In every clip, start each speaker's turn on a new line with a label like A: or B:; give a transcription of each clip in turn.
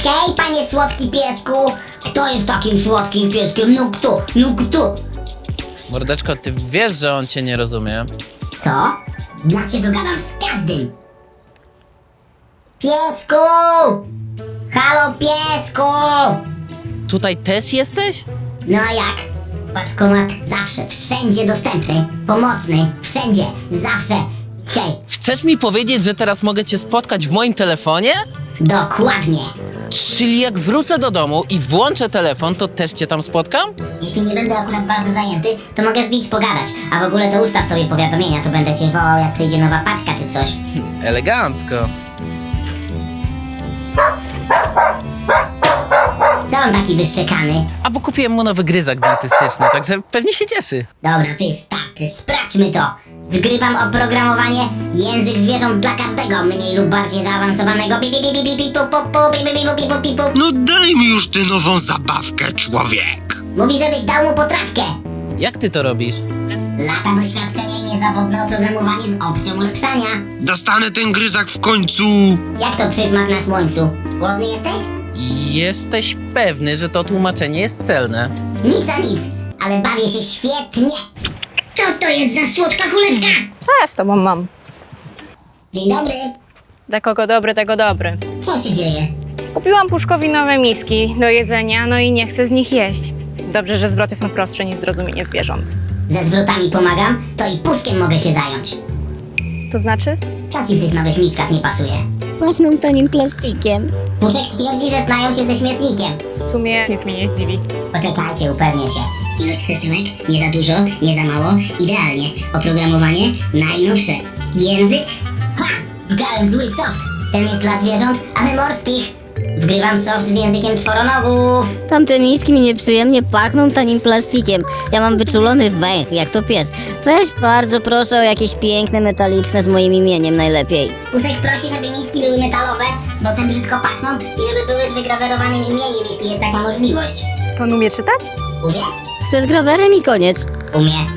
A: Hej, panie słodki piesku! Kto jest takim słodkim pieskiem? No kto? No kto?
B: Mordeczko, ty wiesz, że on cię nie rozumie.
A: Co? Ja się dogadam z każdym! Piesku! Halo, piesku!
B: Tutaj też jesteś?
A: No a jak? Paczkomat zawsze, wszędzie dostępny, pomocny, wszędzie, zawsze. Hej,
B: Chcesz mi powiedzieć, że teraz mogę cię spotkać w moim telefonie?
A: dokładnie.
B: Czyli jak wrócę do domu i włączę telefon, to też cię tam spotkam?
A: Jeśli nie będę akurat bardzo zajęty, to mogę wbić pogadać, a w ogóle to ustaw sobie powiadomienia, to będę cię wołał, jak przyjdzie nowa paczka czy coś.
B: Elegancko.
A: Co on taki wyszczekany?
B: A bo kupiłem mu nowy gryzak dentystyczny, także pewnie się cieszy.
A: Dobra, wystarczy, sprawdźmy to. Zgrywam oprogramowanie język zwierząt dla każdego, mniej lub bardziej zaawansowanego. Pi, pi, pi, pi, pi, pi, pu, pu, pu, pi, pi, pi, pu, pi, pu, pi, pu.
C: No daj mi już tę nową zabawkę, człowiek.
A: Mówi, żebyś dał mu potrawkę.
B: Jak ty to robisz?
A: Lata doświadczenia i niezawodne oprogramowanie z opcją ulepszania.
C: Dostanę ten gryzak w końcu.
A: Jak to przysmak na słońcu? Głodny jesteś?
B: Jesteś pewny, że to tłumaczenie jest celne?
A: Nic a nic, ale bawię się świetnie. Co to jest za słodka kuleczka?
D: Co ja z tobą mam?
A: Dzień dobry.
D: Dla kogo dobry, tego dobry.
A: Co się dzieje?
D: Kupiłam Puszkowi nowe miski do jedzenia, no i nie chcę z nich jeść. Dobrze, że zwroty są prostsze niż zrozumienie zwierząt.
A: Ze zwrotami pomagam, to i puszkiem mogę się zająć.
D: To znaczy?
A: Co ci w tych nowych miskach nie pasuje?
E: Pachną tanim plastikiem.
A: Puszek twierdzi, że znają się ze śmietnikiem.
D: W sumie nic mnie nie zdziwi.
A: Poczekajcie, upewnię się. Ilość przesyłek? Nie za dużo, nie za mało, idealnie. Oprogramowanie? Najnowsze. Język? Ha! Wgrałem zły soft. Ten jest dla zwierząt, ale morskich. Wgrywam soft z językiem czworonogów.
E: Tamte miski mi nieprzyjemnie pachną tanim plastikiem. Ja mam wyczulony węch, jak to pies. Weź bardzo proszę o jakieś piękne, metaliczne z moim imieniem najlepiej.
A: Puszek prosi, żeby miski były metalowe, bo te brzydko pachną i żeby były z wygrawerowanym imieniem, jeśli jest taka możliwość.
D: To on umie czytać?
A: Umiesz?
E: Chcę z grawerem i koniec.
A: Umie.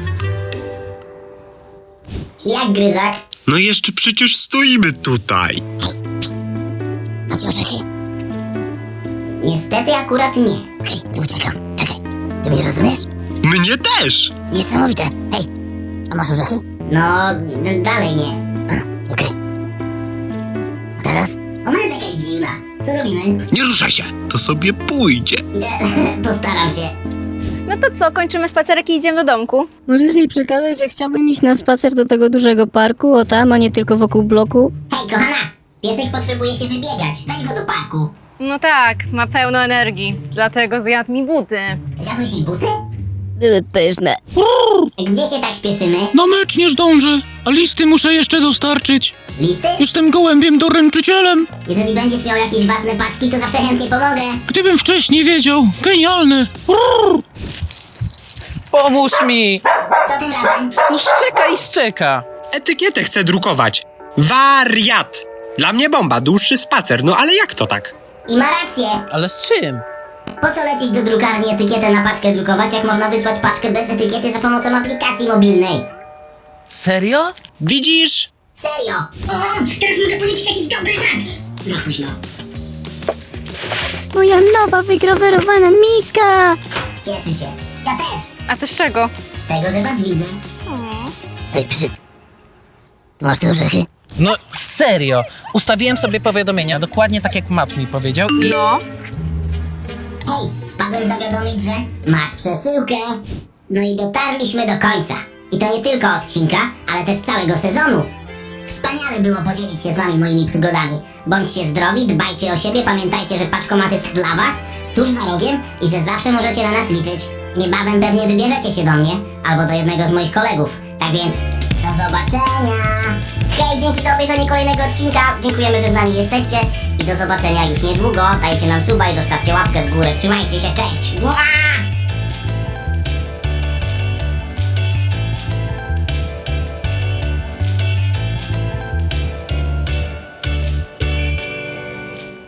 A: Jak gryzak?
C: No jeszcze przecież stoimy tutaj.
A: Macie orzechy? Niestety akurat nie. Hej, nie uciekam. Czekaj. Ty mnie rozumiesz?
C: Mnie też.
A: Niesamowite. Hej, a masz orzechy? No, dalej nie. A, okej. A teraz? Ona jest jakaś dziwna. Co robimy?
C: Nie ruszaj się, to sobie pójdzie.
A: Postaram się.
D: No to co, kończymy spacerek i idziemy do domku?
E: Możesz jej przekazać, że chciałbym iść na spacer do tego dużego parku, o tam, a nie tylko wokół bloku?
A: Hej, kochana! Piesek potrzebuje się wybiegać. Weź go do parku.
D: No tak, ma pełno energii, dlatego zjadł mi buty.
A: Zjadłeś jej buty?
E: Były pyszne.
A: Gdzie się tak śpieszymy?
F: Na mecz nie zdążę, a listy muszę jeszcze dostarczyć.
A: Listy?
F: Jestem gołębiem doręczycielem.
A: Jeżeli będziesz miał jakieś ważne paczki, to zawsze chętnie pomogę.
F: Gdybym wcześniej wiedział, genialne.
B: Pomóż mi!
A: Co tym razem?
B: No szczeka i szczeka.
C: Etykietę chcę drukować. Wariat. Dla mnie bomba, dłuższy spacer, no ale jak to tak?
A: I ma rację.
B: Ale z czym?
A: Po co lecieć do drukarni etykietę na paczkę drukować, jak można wysłać paczkę bez etykiety za pomocą aplikacji mobilnej?
B: Serio?
C: Widzisz?
A: Serio? O, teraz mogę powiedzieć jakiś dobry żart. Za późno.
E: Moja nowa, wygrawerowana miska!
A: Cieszę się. Ja też.
D: A to z czego?
A: Z tego, że was widzę. Hej, psy. Masz te orzechy?
B: No serio. Ustawiłem sobie powiadomienia, dokładnie tak jak Matt mi powiedział i...
D: No.
A: Hej, wpadłem zawiadomić, że masz przesyłkę. No i dotarliśmy do końca. I to nie tylko odcinka, ale też całego sezonu. Wspaniale było podzielić się z wami moimi przygodami. Bądźcie zdrowi, dbajcie o siebie, pamiętajcie, że paczkomat jest dla was, tuż za rogiem i że zawsze możecie na nas liczyć. Niebawem pewnie wybierzecie się do mnie albo do jednego z moich kolegów. Tak więc, do zobaczenia! Hej, dzięki za obejrzenie kolejnego odcinka. Dziękujemy, że z nami jesteście i do zobaczenia już niedługo. Dajcie nam suba i zostawcie łapkę w górę. Trzymajcie się, cześć! Mua!